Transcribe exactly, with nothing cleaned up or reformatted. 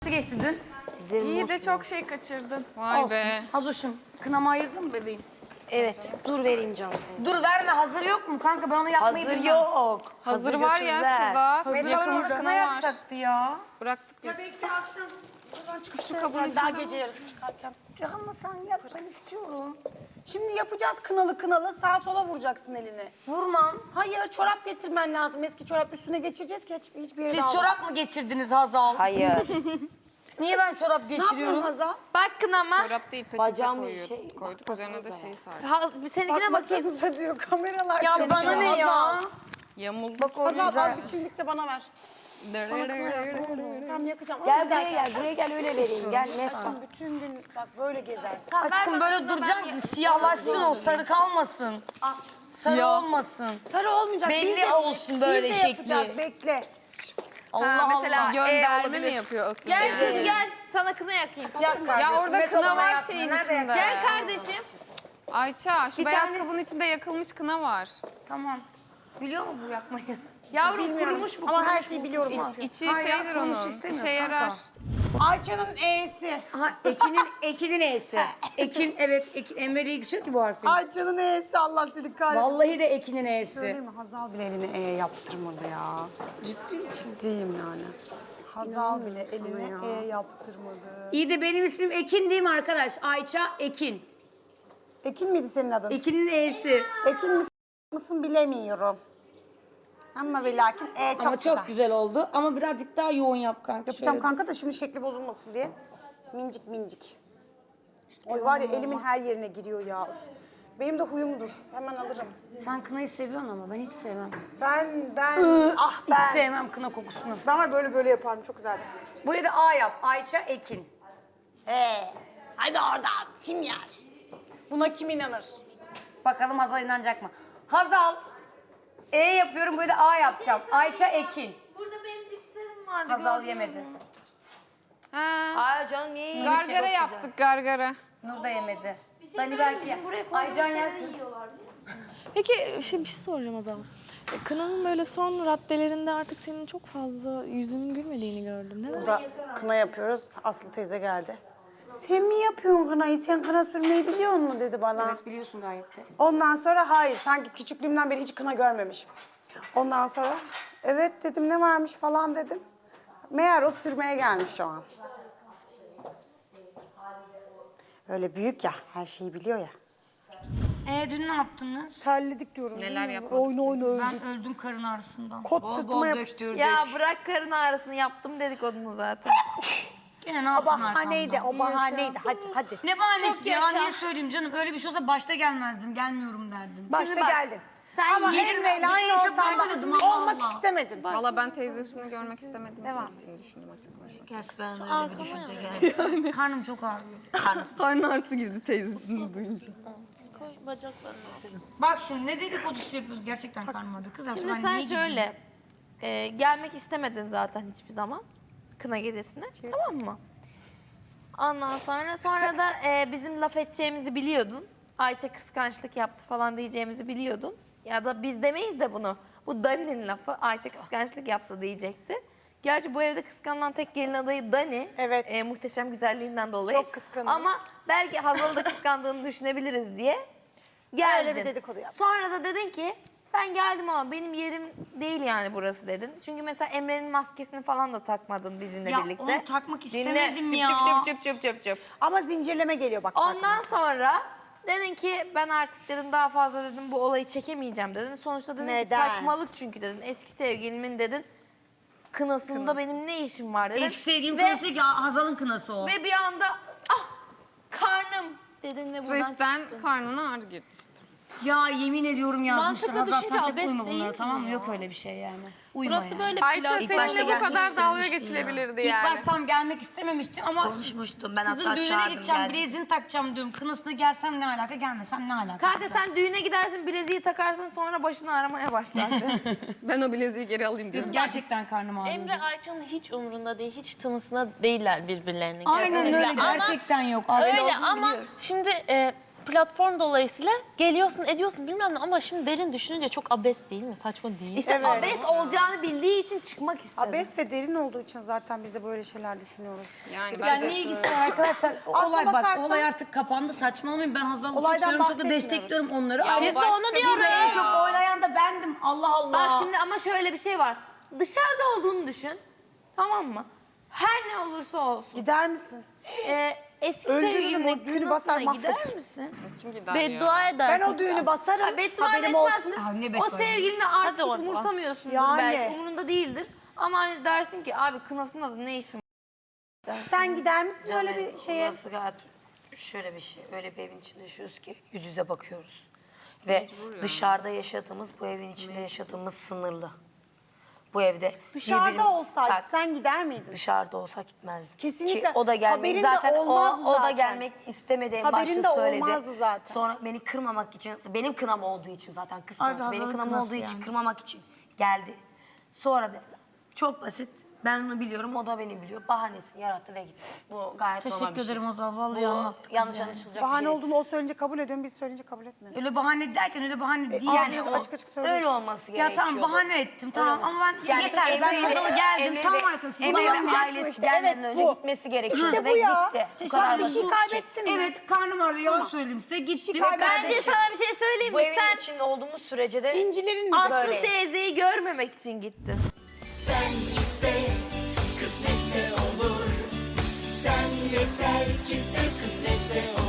Nasıl geçti dün? Dizlerim İyi de mosmor. çok şey kaçırdın. Vay Olsun. be. Hazoşum, kınamı ayırdın mı bebeğim? Evet, dur vereyim canım seni. Dur verme, hazır yok mu kanka? Ben onu yapmayı Hazır bilmem. yok. Hazır, var ya götürdüler. şurada. Hazır Yakılmış kına kına var. yapacaktı ya. Bıraktık biz. Belki akşam buradan Kız şu kabın içinde daha mi? gece yarısı çıkarken. Ama sen yap, ben istiyorum. Şimdi yapacağız kınalı kınalı sağa sola vuracaksın elini. Vurmam. Hayır çorap getirmen lazım. Eski çorap üstüne geçireceğiz ki hiç, hiçbir yere Siz alma. çorap mı geçirdiniz Hazal? Hayır. Niye ben çorap Ne yapıyorsun geçiriyorum? Hazal? Bak kınama. Çorap değil peçete Bacağım bir koyuyor. şey, Koyduk bakmasanıza üzerine de ya. şey sardık. Ha, seninkine bakayım. Baksanıza diyor kameralar. Ya çalışıyor. bana ne ya? Hazal, Yamuldu. Bak o Hazal güzel. az bir çimdik de bana ver. Tamam yakacağım. Gel Ama buraya giderken- gel, buraya gel öyle vereyim. Gel ne Aşkım bütün gün bak böyle gezersin. Aşkım böyle duracaksın ki siyahlaşsın o, sarı kalmasın. Sarı Siyah. olmasın. Sarı olmayacak. Belli biz de- olsun böyle biz de şekli. yapacağız, bekle. Allah Mesela Allah. gönderme mi yapıyor asıl? Gel yani? kız gel. Sana kına yakayım. Yak kardeşim. Ya orada Met kına olana var yakma. şeyin Nerede içinde. yakacaksın? Gel kardeşim. Ayça şu Bir beyaz tanesi- kabın içinde yakılmış kına var. Tamam. Biliyor mu bu yakmayı? Yavrum kurumuş bu. Ama her şeyi biliyorum. İç, içi Hayır ya, şeydir kurumuş onun. istemiyoruz İşe kanka. yarar. Ayça'nın E'si. Aha, Ekin'in, Ekin'in E'si. Ekin, evet. Ekin, Emre'yle ilgisi yok ki bu harfin. Ayça'nın E'si Allah seni kahretsin. Vallahi de Ekin'in E'si. Söyleyeyim mi? Hazal bile eline E yaptırmadı ya. Ciddi mi? Ciddiyim yani. Hazal bile eline E yaptırmadı. İyi de benim ismim Ekin değil mi arkadaş? Ayça Ekin. Ekin miydi senin adın? Ekin'in E'si. Ekin misin, mısın bilemiyorum. Ama ve lakin E çok Ama güzel. çok güzel oldu. Ama birazcık daha yoğun yap kanka. Yapacağım Şöyle kanka da şimdi şekli bozulmasın diye. Mincik mincik. Oy var ya elimin her yerine giriyor ya. Uf. Benim de huyumdur. Hemen alırım. bir- Sen kınayı seviyorsun ama ben hiç sevmem. Ben, ben, ah Hiç ben. sevmem kına kokusunu. Ben var böyle böyle yaparım. Çok güzeldir. Buraya da A yap. Ayça Ekin. Ee, hadi oradan. Kim yer? Buna kim inanır? Bakalım Hazal inanacak mı? Hazal. E yapıyorum. Buraya da A yapacağım. Ayça Ekin. Burada benim cipslerim vardı. Hazal yemedi. Ha. Hayır canım niye yiyeyim? Gargara yaptık gargara. Nur da yemedi. Dani belki ye. Aycan yer kız. Peki şey, bir şey soracağım Azal. E, Kınanın böyle son raddelerinde artık senin çok fazla yüzünün gülmediğini gördüm. Neden? Burada kına yapıyoruz. Aslı teyze geldi. Sen mi yapıyorsun kınayı? Sen kına sürmeyi biliyor musun dedi bana. Evet biliyorsun gayet de. Ondan sonra hayır. Sanki küçüklüğümden beri hiç kına görmemişim. Ondan sonra evet dedim ne varmış falan dedim. Meğer o sürmeye gelmiş şu an. Öyle büyük ya. Her şeyi biliyor ya. E dün ne yaptınız? Terledik diyorum. Neler değil mi? yapmadık Oyun oyun öldük. Ben öldüm karın ağrısından. Kot sırtıma yapıştı. Ya bırak karın ağrısını yaptım dedikodunu zaten. Yine ne O yaptın bahaneydi, arkamdan? o bahaneydi. Hadi hadi. Ne bahanesi Çok ya? yaşa. Niye söyleyeyim canım? Öyle bir şey olsa başta gelmezdim. Gelmiyorum derdim. Başta bak, geldin. sen Ama yerin- Emre'yle aynı Bileği çok ortamda arkadaşım, Allah olmak Allah. istemedin. Valla ben teyzesini görmek istemediğim için gittiğini düşündüm açıkçası. Gerçi ben de öyle bir düşünce geldi. Karnım çok ağrıyor. Karnı ağrısı girdi teyzesini duyunca. Bak şimdi ne dedikodusu yapıyoruz gerçekten karnım ağrıyor. Kızlar Şimdi ben sen niye gideyim? şöyle. e, gelmek istemedin zaten hiçbir zaman. Kına gecesine. Tamam mı? Ondan sonra sonra da e, bizim laf edeceğimizi biliyordun. Ayça kıskançlık yaptı falan diyeceğimizi biliyordun. Ya da biz demeyiz de bunu. Bu Dani'nin lafı. Ayça kıskançlık yaptı diyecekti. Gerçi bu evde kıskanılan tek gelin adayı Dani. Evet. E, muhteşem güzelliğinden dolayı. Çok kıskanıyoruz. Ama belki Hazal'ı da kıskandığını düşünebiliriz diye geldin. Öyle bir dedikodu yaptın. Sonra da dedin ki ben geldim ama benim yerim değil yani burası dedin. Çünkü mesela Emre'nin maskesini falan da takmadın bizimle Ya birlikte. onu takmak Dinle. istemedim Cüp ya. Cüp cüp cüp cüp cüp. Ama zincirleme geliyor bak. Ondan sonra dedin ki ben artık dedim daha fazla dedim bu olayı çekemeyeceğim dedin. Sonuçta dedin ki Neden? saçmalık çünkü dedin. Eski sevgilimin dedin kınasında benim ne işim var dedin. Eski sevgilim Ve- kınası değil ki Hazal'ın kınası o. Ve bir anda ah karnım dedin ve buradan Stresten çıktın. karnına ağrı girdi işte. Ya yemin ediyorum yazmışlar. Mantıklı Hazal düşünce sen sakın abes uyma bunlara değil tamam mı? mi Yok ya? öyle bir şey yani. Uyma Burası yani. böyle Ayça pilav. başta seninle bu gelmek kadar dalga istememiştim geçilebilirdi İlk yani. baştan gelmek istememiştim ama Konuşmuştum ben kızın hatta düğüne çağırdım gideceğim, geldim. bileziğini takacağım diyorum. Kınasına gelsem ne alaka, gelmesem ne alaka? Kanka sen düğüne gidersin bileziği takarsın sonra başını aramaya başlarsın. Ben o bileziği geri alayım diyorum. Gerçekten karnım ağrıyor. Emre Ayça'nın hiç umrunda değil, hiç tınısına değiller birbirlerinin. Aynen kesinlikle. öyle, Ama gerçekten yok. Öyle olduğunu ama biliyoruz. şimdi e, platform dolayısıyla geliyorsun ediyorsun bilmem ne ama şimdi derin düşününce çok abes değil mi? Saçma değil. İşte Evet. abes olacağını bildiği için çıkmak istedi. Abes ve derin olduğu için zaten biz de böyle şeyler düşünüyoruz. Yani Ya ben ne ilgisi var arkadaşlar? O Aslına olay bak, bakarsan- olay artık kapandı. Saçmalamayın. Ben Hazal'ı çok Olaydan seviyorum, çok da bahsetmiyoruz. destekliyorum onları. Ya Ama biz de onu Biz diyoruz. en çok oylayan da bendim. Allah Allah. Bak şimdi ama şöyle bir şey var. Dışarıda olduğunu düşün. Tamam mı? Her ne olursa olsun. Gider misin? Ee, eski Öldürürüm, sevgilinin o düğünü basar, kınasına gider mahvederim. misin? kim gider ya? Beddua Ben edersin. o düğünü basarım. Ha, beddua haberim etmezsin. olsun. Ha, ne O beddua sevgilini artık Hadi hiç oradan. umursamıyorsundur Yani. belki. Umurunda değildir. Ama hani dersin ki abi kınasında da ne işim var? Sen gider misin öyle bir şeye? Burası gayet şöyle bir şey. Öyle bir evin içinde yaşıyoruz ki yüz yüze bakıyoruz. Ve dışarıda yaşadığımız, bu evin içinde yaşadığımız sınırlı. Bu evde Dışarıda birbirimiz- olsaydı Bak, sen gider miydin? dışarıda olsak gitmezdim. Kesinlikle. Ki o da gelmek Haberin de zaten o, olmazdı o da zaten. gelmek istemedi en Haberin başta de söyledi. olmazdı zaten. Sonra beni kırmamak için, benim kınam olduğu için zaten kıskanç. Hadi Benim Hazal'ın kınam kınası olduğu için yani. kırmamak için geldi. Sonra da çok basit. Ben onu biliyorum, o da beni biliyor. Bahanesini yarattı ve gitti. Bu gayet normal bir Teşekkür şey. ederim Hazal. Vallahi Bu anlattık. kız yanlış yani. anlaşılacak Bahane bir şey. olduğunu o söyleyince kabul ediyorum, biz söyleyince kabul etmiyoruz. Öyle bahane derken öyle bahane değil. ağzınız Yani açık o- açık açık söylüyor Öyle işte. olması Ya gerekiyor. tamam bahane ettim tamam ama ben Yani yeter ben Emre ile- Hazal'a geldim Emre tamam ile- arkadaşım. Emre Bana ve bakacaksın ailesi işte, gelmeden evet, önce bu. gitmesi gerekiyordu İşte ve bu ya. gitti. Bu Teşekkür kadar ederim. basit. Bir şey kaybettin mi? Evet karnım ağrıyor yalan söyleyeyim size gitti. ve kaybettin. Bence sana bir şey söyleyeyim Bu mi? evin Sen içinde olduğumuz sürece de İncilerin mi Aslı böyleyiz. teyzeyi görmemek için gittin. Sen iste, kısmetse olur. Sen yeter ki sev, kısmetse olur.